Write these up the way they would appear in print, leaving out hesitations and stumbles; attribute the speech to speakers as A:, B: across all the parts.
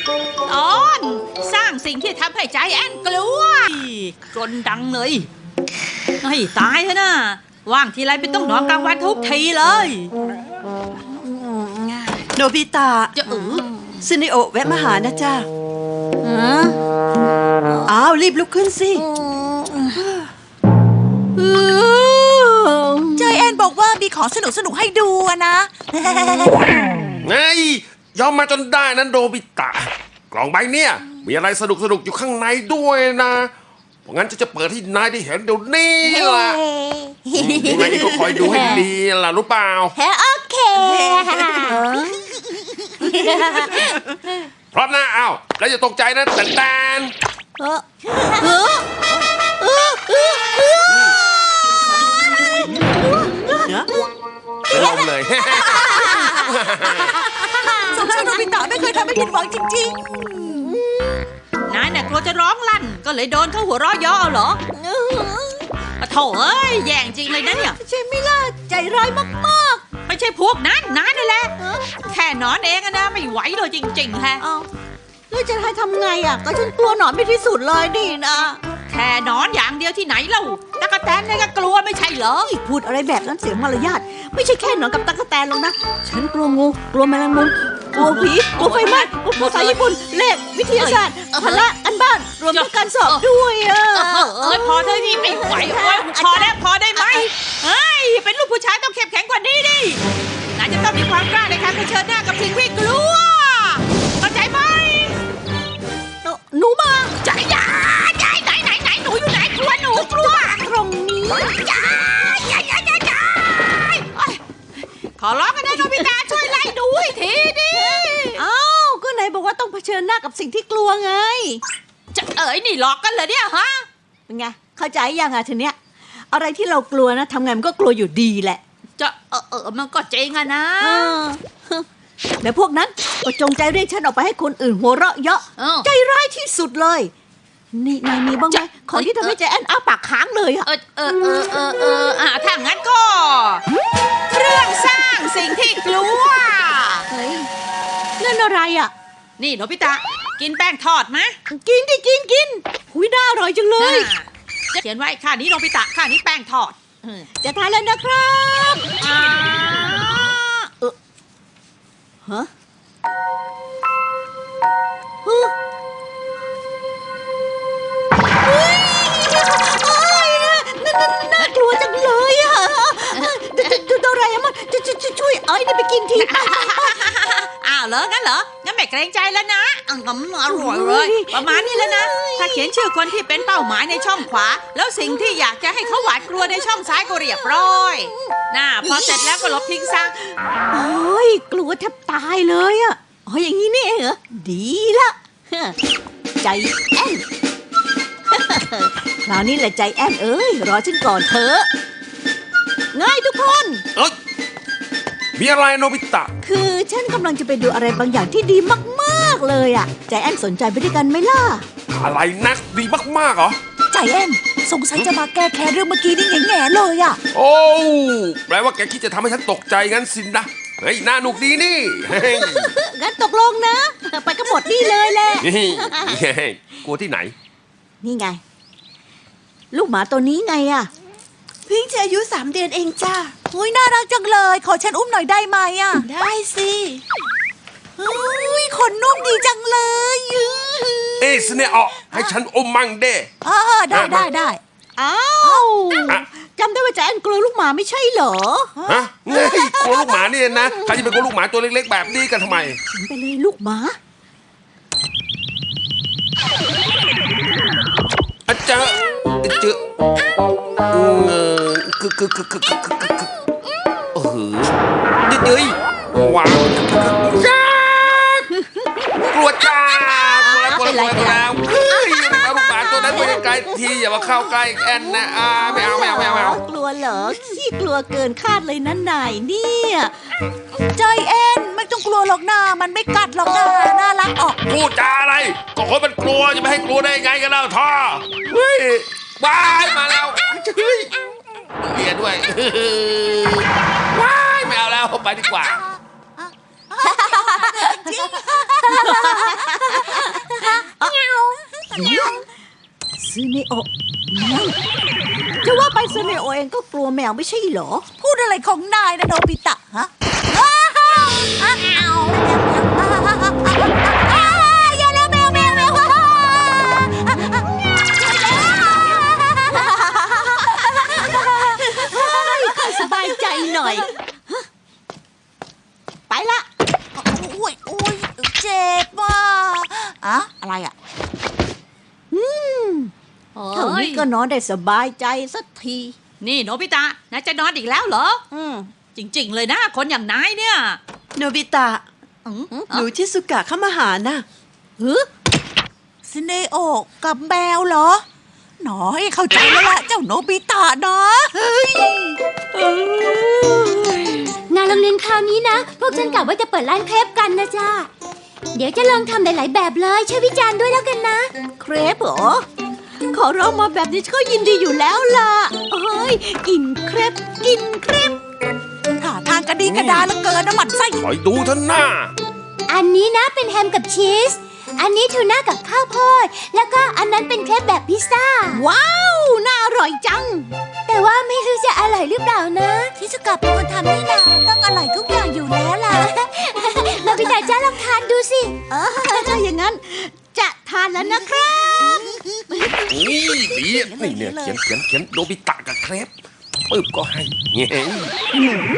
A: ตอนสร้างสิ่งที่ทำให้ใจแอนกลัวจนดังเลยให้ตายเถอะนะว่างทีไรเป็นต้องนอนกลางวันทุกทีเลย
B: โนบิตะ
A: จะ
B: ซึเนโอะแวะมาหานะจ๊ะอ้าวรีบลุกขึ้นสิ
C: ใจแอนบอกว่ามีของสนุกให้ดูนะ
D: ไงยอมมาจนได้นั้นโดบิตะกล่องใบเนี่ยมีอะไรสนุกอยู่ข้างในด้วยนะเพราะงั้นจะเปิดให้นายได้เห็นเดี๋ยวนี้ล่ะยังไงก็คอยดูให้ดีล่ะรู้เปล่า
C: โอเค
D: พร้อมนะอ้าวแล้วอย่าตกใจนะแต่เป็นลมเลย
C: สงสัยโนบิตะไม่เคยทำให้ผิดหวังจริง
A: นายน่ะกลัวจะร้องลั่นก็เลยโดนเขาหัวเราะย่อเหรอโถ่เอ้ยแย่งจริงเลยนะเนี่ย
C: ใช่ไหมล่ะใจร้ายมาก
A: ไม่ใช่พวกนั้นนายนั่นแหละแค่นอนเองนะไม่ไหวเลยจริงๆแฮะ
C: แล้วจะให้ทำไงอ่ะก็ฉันกลัวหนอนไม่ที่สุดเลยนี่นะ
A: แค่นอนอย่างเดียวที่ไหนเล่าตั๊กแตนเนี่ยก็กลัวไม่ใช่เหรอ
C: พูดอะไรแบบนั้นเสียมารยาทไม่ใช่แค่หนอนกับตั๊กแตนหรอกนะฉันกลัวงูกลัวแมลงมุมกลัวผีกลัวไฟไหม้กลัวภาษาญี่ปุ่นเลขวิทยาศาสตร์พละกันบ้านรวมทั้งการสอบด้วย
A: พอเธอที่ไม่ไหวพอได้ไหมเฮ้ยเป็นลูกผู้ชายต้องเข้มแข็งกว่านี้ดินายจะต้องมีความกล้าในการเผชิญหน้ากับสิ่งที่กลัวเข้าใจไหม
C: หนูมา
A: ใจไหนหนูอยู่ไหนกลัวต
C: รงนี้
A: ขอร้องกันนะโนบิตะช่วยไล่ดูให้ทีดิ
C: ก็ไหนบอกว่าต้องเผชิญหน้ากับสิ่งที่กลัวไง
A: จะนี่หลอกกันเหรอเนี่ยฮะ
C: เป็นไงเข้าใจยังทีเนี้ยอะไรที่เรากลัวนะทำไงมันก็กลัวอยู่ดีแหละ
A: จะมันก็เจ๊งอะนะ
C: แต่พวกนั้นก็จงใจเรียกฉันออกไปให้คนอื่นหัวเราะเยาะใจร้ายที่สุดเลยนี่นายมีบ้างไหมของที่ทำให้ใจแอนอ้าปากค้างเลยอะ
A: ถ้างั้นก็เครื่องสร้างสิ่งที่กลัว
C: เฮ้ยนั่นอะไรอะ
A: นี่โนบิตะกินแป้งทอดไหม
C: กินดิกินหุยน่าอร่อยจังเลย
A: เขียนไว้ค่านี้โนบิตะค่านี้แป้งทอด
C: จะทานแล้วนะครับฮะน่ากลัวจังเลยอ่ะโดราเอมอนช่วยไอ้นี่ไปกินที
A: เหรองั้นไม่เกรงใจแล้วนะอร่อยเลยประมาณนี้แล้วนะถ้าเขียนชื่อคนที่เป็นเป้าหมายในช่องขวาแล้วสิ่งที่อยากจะให้เขาหวาดกลัวในช่องซ้ายก็เรียบร้อยพอเสร็จแล้วก็ลบทิ้งซะ
C: โอ้ยกลัวแทบตายเลยอ่ะอย่างนี้นี่เองเหรอดีละใจแอนคราวนี้แหละใจแอนรอฉันก่อนเถอะง่ายทุกคน
D: มีอะไรโนบิตะ
C: คือฉันกำลังจะไปดูอะไรบางอย่างที่ดีมากๆเลยอ่ะใจแอนสนใจไปด้วยกันไหมล่ะ
D: อะไรนักดีมากๆเหรอ
C: ใจแอนสงสัยจะมาแก้แค้นเรื่องเมื่อกี้นี่แง่ๆเลยอ่ะ
D: โอ้แปลว่าแกคิดจะทำให้ฉันตกใจงั้นสินะเฮ้ยน่าหนุกดีนี่
C: งั้นตกลงนะไปกันหมดนี่เลยแหละ
D: กลัวที่ไหน
C: นี่ไงลูกหมาตัวนี้ไงอ่ะ
B: เพิ่งจะอายุ3 เดือนเองจ้า
C: อุ้ยน่ารักจังเลยขอฉันอุ้มหน่อยได้ไหมอ่ะ
B: ได้สิ
C: อุ้ยขนนุ่มดีจังเลย
D: สเนอให้ฉันอมมั่งเด้
C: ได้อ้าวจำได้ว่าแจนกลัวลูกหมาไม่ใช่เหรอ
D: ฮะไงกลัวลูกหมาเนี่ยนะใครจะเป็นกลัวลูกหมาตัวเล็กๆแบบนี้กันทำไม
C: ไปเลยลูกหมา
D: เจอเฮ้ยว้าวกลัวจ้ากลัวแล้วเอาลูกหมาตัวนั้นไปไกลทีอย่ามาเข้าใกล้แอนนะไม่เอา
C: กลัวเหรอขี้กลัวเกินคาดเลยนะนายเนี่ยใจแอนไม่ต้องกลัวหรอกนะมันไม่กัดหรอกนะน่ารักออก
D: พูดจาอะไรก็คนมันกลัวจะไม่ให้กลัวได้ไงกันแล้วท่อเฮ้ยว้ายมาแล้วเฮ้ยเบียด้วยว้ายไม่เอาแล้วไปดีกว่า
C: นิโอจะว่าไปซันนิโอเองก็กลัวแมวไม่ใช่เหรอ
B: พูดอะไรของนายนะโนบิตะฮะอย่าแล้วแมว
C: สบายใจหน่อย ไปละ
B: โอ้ยเจ็บว่ะอะอะไรอ่ะ
C: เท่านี้ก็นอนได้สบายใจสักที
A: นี่โนบิตะนายจะนอนอีกแล้วเหรอ จริง ๆ เลยนะ คนอย่างนายเนี่ย
B: โนบิตะ
A: อืม
B: หนูชิสุกะเข้ามาหานะซินเนโอะกับแมวเหรอ หนอยเข้าใจแล้วล่ะเจ้าโนบิตะนะเฮ้ย
E: งานโรงเรียนคราวนี้นะ พวกฉันกะว่าจะเปิดร้านเครปกันนะจ้าเดี๋ยวจะลองทำหลายๆแบบเลยช่วยวิจารณ์ด้วยแล้วกันนะ
C: เครปเหรอ ขอร้องมาแบบนี้ก็ยินดีอยู่แล้วล่ะเฮ้ย กินเครปกินเครป
B: ท่าทางกระดีกระดาแล้วเกินน้ำมันไส้
D: คอยดูเท่าหน้า
E: อันนี้นะเป็นแฮมกับชีส อันนี้ทูน่ากับข้าวโพด แล้วก็อันนั้นเป็นเครปแบบพิซซ่า
C: ว้าว น่าอร่อยจัง
E: แต่ว่าไม่รู้จะอร่อยหรือเปล่านะ
B: ชิสุกะเป็นคนทำนี่นาต้องอร่อยทุกอย่างอยู่แล้วล่ะ
E: เราไปแต่จ้าลองทานดูสิ
C: ถ้าอย่างนั้น จะทานแล้วนะครับ
D: นี่ดีนี่เนี่ยเขียนโนบิตะกับเครปปึ๊บก็ให้เงี้ย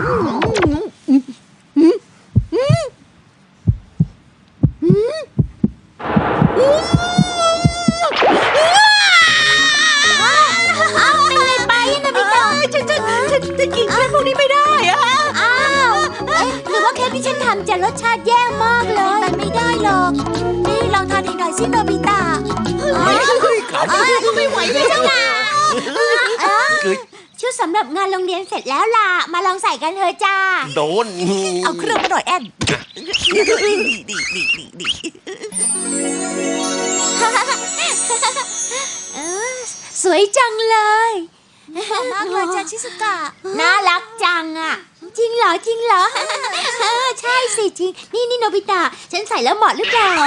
E: เอาเป็นไรไปนะพี่ต่อ
C: ฉันกินเครปพวกนี้ไม่ได้อะ
E: อ้าวหรือว่าเครปที่ฉันทำจะรสชาติแย่มากเลย
B: มันไม่ได้หรอก นี่ลองทานอีกหน่อยสิโนบิตะ
C: ไม่ไหวเลยจังล่ะ
E: ชุดสำหรับงานโรงเรียนเสร็จแล้วล่ะ มาลองใส่กันเถอะจ้า
D: โดน
B: เอาเครื่องมาหน่อยแอนดี
E: สวยจังเลย
B: มากเลยจ้าชิสุกะ
E: น่ารักจังอ่ะ จริงเหรอจริงเหรอ ใช่สิจริง นี่โนบิตะ ฉันใส่แล้วเหมาะหรือเปล่า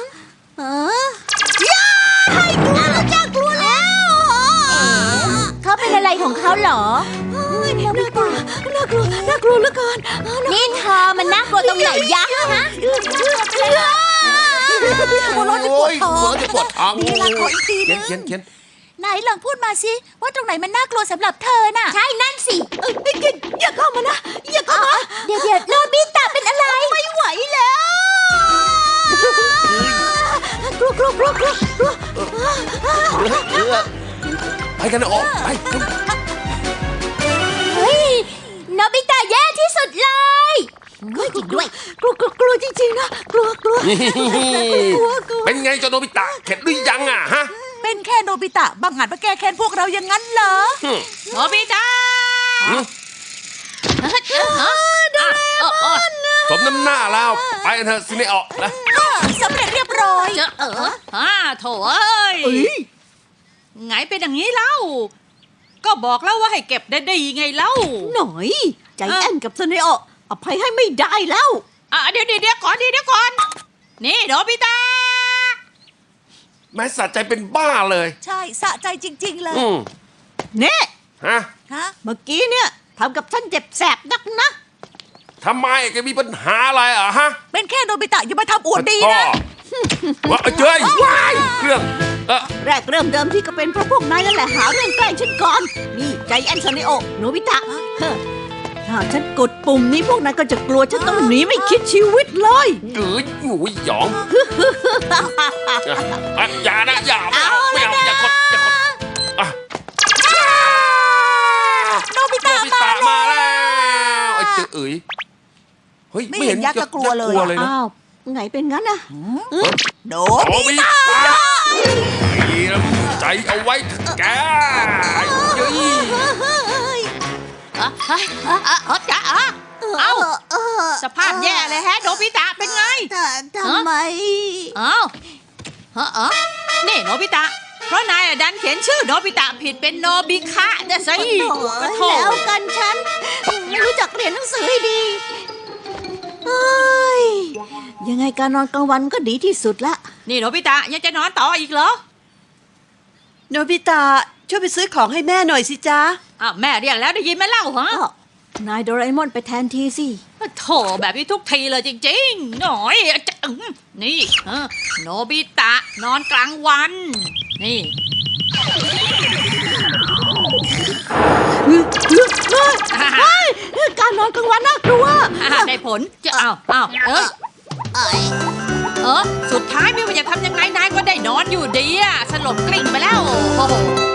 E: กลัวแล้วเขาเป็นอะไรของเขาเหรอ
C: น่ากลัวน่ากลัวน่ากลัวเหลือเกิน
E: นี่เธอมันน่ากลัวตรงไหนยะฮะ
B: หัวเร้อนที่ปวดท้อง
D: ปวดท้อง
B: นี่ละขออีกทีนึง
D: เขียน
B: ไหนลองพูดมาสิว่าตรงไหนมันน่ากลัวสำหรับเธอน่ะ
E: ใช่นั่นสิ
C: อย่าเข้ามานะ อย่าเข้ามา
E: เดี๋ยวโนบิตะเป็นอะไร
C: ไม่ไหวแล้ว กลัว
D: ไปกันออกไป
E: เฮ้ยโนบิตะแย่ที่สุดเลย
C: จริงด้วยกลัวจริงๆนะกลัว
D: เป็นไงเจ้าโนบิตะเข็ดหรือยังอ่ะฮะ
B: เป็นแค่โนบิตะบังอาจมาแก้แค้นพวกเราอย่างนั้นเหรอ
A: โนบิตะ
D: สมน้ำหน้าแล้วไปกันเถอะซิเนออกนะ
B: สำเร็จเรียบร้อย
A: โถเอ้ยไงเป็นอย่างนี้เล่า ก็บอกแล้วว่าให้เก็บได้ไงเล่า
C: หน่อย ใจแอนกับเสนออภัยให้ไม่ได้แล้ว
A: เดี๋ยวก่อนนี่โนบิตะ
D: แม้สะใจเป็นบ้าเลย
B: ใช่สะใจจริง ๆ เลย
C: เน่
D: ฮะ
B: ฮะ
C: เมื่อกี้เนี่ยทำกับฉันเจ็บแสบนักนะ
D: ทำไมแกมีปัญหาอะไรอ่ะฮะ
B: เป็นแค่โนบิตะอย่ามาทำอวดดีนะ
D: ว่าเจ้ยว้ายเครื่อง
C: แรกเริ่มเดิมที่ก็เป็นเพราะพวกนายนั่นแหละหาเรื่องแกล้งฉันก่อน นี่ใจแอนเสนอโนบิตะถ้าฉันกดปุ่มนี้พวกนายก็จะกลัวฉันต้องหนีไม่คิดชีวิตเลย
D: หรือหูยหยองอย่านะอย่าไม่เอาอย่ากดอ่ะ
B: โนบิตะ
D: มาแล้วไอ้เจ้าเอ๋ยเฮ้ย
B: ไม่เห็นยักษ์ก็กลัวเลย
D: นะ
C: อ้าวไงเป็นงั้นอะ
B: โน
D: โอ้
B: บิ
D: บิตาดีนะใจเอาไว้แกเย้ย
A: สภาพแย่เลยแฮะโนบิตะเป็นไง
B: ทำไม
A: นี่โนบิตะ เพราะนายดันเขียนชื่อโนบิตะผิดเป็นโนบิคะนะสิโถ
C: แล้วกันฉัน ไม่รู้จักเรียนหนังสือให้ดีเฮ้ยยังไงการนอนกลางวันก็ดีที่สุดละ
A: นี่โนบิตะยังจะนอนต่ออีกเหรอ
B: โน
C: โนบิตะช่วยไปซื้อของให้แม่หน่อยสิจ๊ะ
A: แม่เรียกแล้วได้ยินไหมเล่าฮะ
C: นายโดราเอมอนไปแทนทีสิ
A: โถแบบนี้ทุกทีเลยจริงๆหน่อยจะนี่โนบิตะนอนกลางวัน นี่
C: การนอนกลางวันน่ากลัว
A: ได้ผลจะสุดท้ายไม่ว่าจะทำยังไงนายก็ได้นอนอยู่ดีอะสลบกลิ้งไปแล้วโอ้โห